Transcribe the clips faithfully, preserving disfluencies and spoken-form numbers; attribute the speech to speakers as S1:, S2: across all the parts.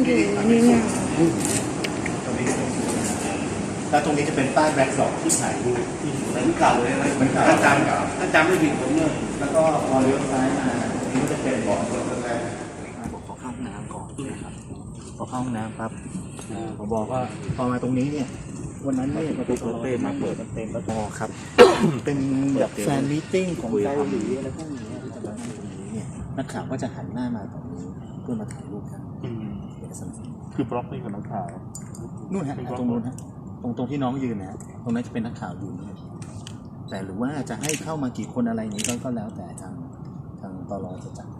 S1: อยู่นี่ไง
S2: ตรงนี้แล้วตรงนี้จะเป็นป้ายแบ็คดรอปที่ถ่ายรูปที่เหมือนเก่าเลยนะเหมือนเก่าถ้าจำถ้าจำไม่ผิดผมเนี่ยแล้วก็พอเลี้ยวซ้ายมาตรงนี้ก็จะเป็นบ่อรถแรกบอกขอเข้าห้องน้ำก่อนนะครับพอเข้าห้องน้ำครับผมบอกว่าพอมาตรงนี้เนี่ยวันนั้นเนี่ยประตูรถเต็มมาเปิดมันเต็มแล้วพอครับ เป็นแบบแฟนมีตติ้งของเกาหลีอะไรพวกนี้ที่จะมาตรงนี้เนี่ยนักข่าวก็จะหันหน้ามาตรงนี้เพื่อมาถ่ายรูปกันเป็นสัญญาณ
S3: คือบล็อกนี่กับนักข่าว
S2: นู่นฮะตรงนู้นฮะตรงตรงที่น้องยืนนะตรงนั้นจะเป็นนักข่าวอยู่นี่แต่หรือว่าจะให้เข้ามากี่คนอะไรนี้ก็ก็แล้วแต่ทางทางตลจะจัด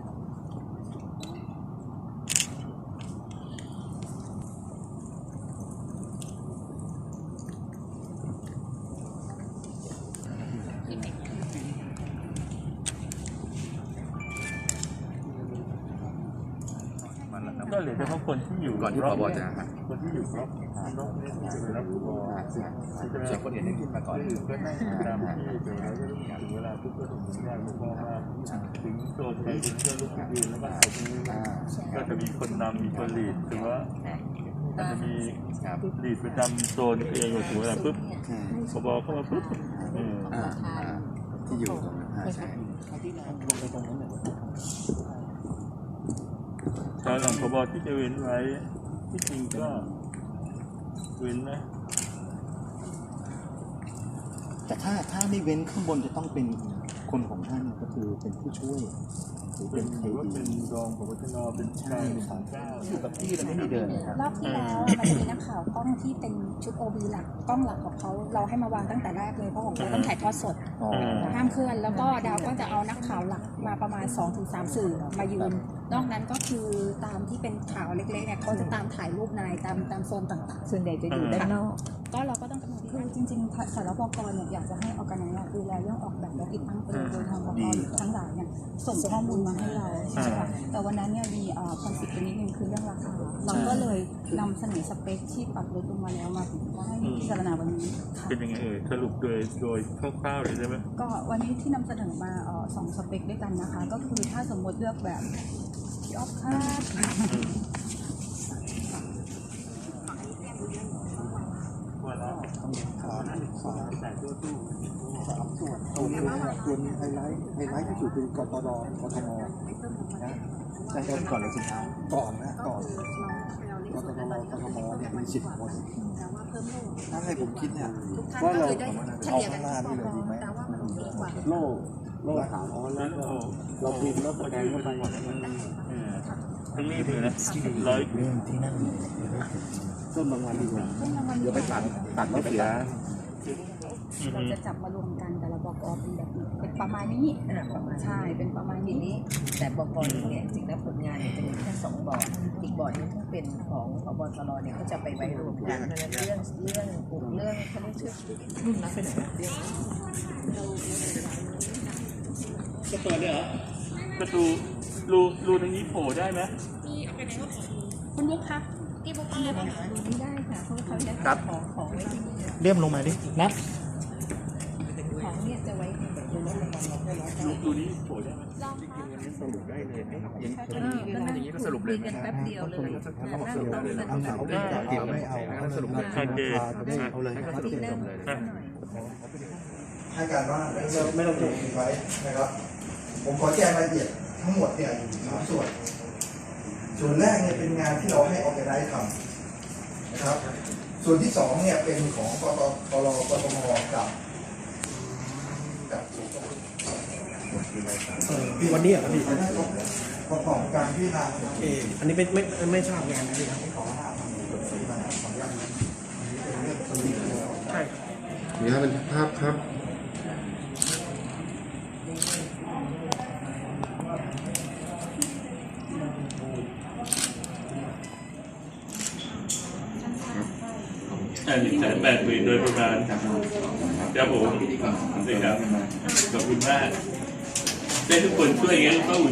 S3: ก็เหลือเฉพาะคนที่อยู่
S4: ก่อนที่ผบจะฮะ
S3: คนที่อยู่รอบรอบนี้ที่จะไปรับผบ
S4: ส่วนคนอื่นได้ขึ้นมาก่อน
S3: ก็นั่งตามที่เดี๋ยวเราจะถึงเวลาทุกคนถึงได้ผบมาถึงโซนไปถึงก็ลุกยืนแล้วก็ตรงนี้ก็จะมีคนนำมีคนลีดหรือว่าอาจจะมีลีดประจำโซนเองถึงเวลาปุ๊บผบเข้ามาปุ๊บ
S4: ที่อยู่ตรงนั้นใช่
S2: ลงไปตรงนั้นเลย
S3: ตอนหลังผบที่จะเว้นไว้ที่จริงก็เว้นนะ
S2: แต่ถ้าถ้าไม่เว้นข้างบนจะต้องเป็นคนของท่านก็คือเป็นผู้ช่วยหรือเป็นใครดี
S3: เป็นรองผบชนเป็นชายสามเก้า
S2: อยู่กับที่แล้วไม่มีเดิน
S1: รอบที่แล้วมันจะมีนักข่าวกล้องที่เป็นชุด โอ บี หลักกล้องหลักของเขาเราให้มาวางตั้งแต่แรกเลยเพราะของเขาต้องถ่ายทอดสดห้ามเคลื่อนแล้วก็ดาวก็จะเอานักข่าวหลักมาประมาณ สองถึงสาม สื่อมายืนนอกนั้นก็คือตามที่เป็นข่าวเล็กๆเนี่ยเขาจะตามถ่ายรูปนายตามตามโซนต่างๆส่วนใหญ่จะอยู่ด้านนอกก็เราก็ต้องคือจริงๆสารบกเนี่ยอยากจะให้ออกกันเนี่ยดูแลเรื่องออกแบบและติดตั้งเป็นโดยทางบกทั้งหลายเนี่ยส่งข้อมูลมาให้เราใช่ไหมแต่วันนั้นเนี่ยมีคอนฟ lict นิดนึงคือเรื่องราคาเราก็เลยนำเสนอสเปคที่ปรับลดลงมาแล้วมาถึงว่าให้พิจารณาวันนี้
S3: เป็นยังไงเอ่ยสรุปโดยโดยคร่าวๆเลยใช่ไหม
S1: ก็วันนี้ที่นำเสนอมาสองสเปคด้วยกันนะคะก็คือถ้าสมมติเลือกแบบที่ออฟคาด
S3: แต่ตัวตู้
S2: สามส่วนตรงนี้ส่วนไฮไลท์ไฮไลท์ที่สุดคือกตรกทมนะแต่ก่อนเลยสิครับก่อนนะก่อนกตรกทมเนี่ยมีสิบคนถ้าให้ผมคิดเนี่ยว่าเราเอาข้างหน้านี่เลยดีไหมโล่โล่ขาวอ๋อแล้วเราพิมพ์แล้วสแกนเข้าไป
S3: ทั้งนี้เลยนะร้อย
S2: เรื่องที่นั่นต้นบางวันดีกว่าเดี๋ยวไปตัดตัดแล้วเสีย
S1: เราจะจับมารวมกันแต่ละบกเป็นแบบเป็นประมาณนี้ใช่เป็นประมาณนี้
S5: แต่บกเนี่ยจริงแล้วผลงานเนี่ยจะมีแค่สองบอร์ดอีกบอร์ดนึงที่เป็นของพบตรเนี่ยก็จะไปไว้รวมกันเพราะฉะนั้นเรื่องเรื่องกลุ่มเรื่องเขาเรียกชื่อรุ่นนับไปไหนนะเรื่อง
S3: จะเปิดได้เหรอประตูรูรูตรงนี้โผล่ได้ไหม
S1: คุณบุ๊คคะที่บุ๊คเรียบไม่ได้ค่ะเพราะเขาจะของของไว้ที่นี่
S2: เรียบลงมาดินับ
S1: ของเนี่ยจะไว้ในแบบนี้
S3: รูนี้โผล่ได้ไหม
S4: สรุปได้เลยนะครับอย่าง
S5: นี้ก็สรุปเลยแป๊บเดียวเลย
S4: เขาบอกสรุปเลยเอาเอาไม่เอาไม่เอาสรุปเลยเอาเลยสรุปเลย
S6: ให้การว่าไม่ต้องจบไว้นะครับผมขอแจ้งรายละเอียดทั้งหมดเนี่ยอยู่สามส่วนส่วนแรกเนี่ยเป็นงานที่เราให้ออแกไนซ์ทำนะครับส่วนที่สองเนี่ยเป็นของกตกรกทมกับกับ
S2: วันนี้อ่ะพี่
S6: ประกอบการพิจารณา
S2: เอออันนี้ไม่ไม่ไม่ทราบงานนะพี่ครับ
S4: ใช่นี่ครับเป็นภาพครับ
S3: หนึ่งแสนแปดหมื่นโดยประมาณครับผมนี่ครับขอบคุณมากได้ทุกคนช่วยงั้นก็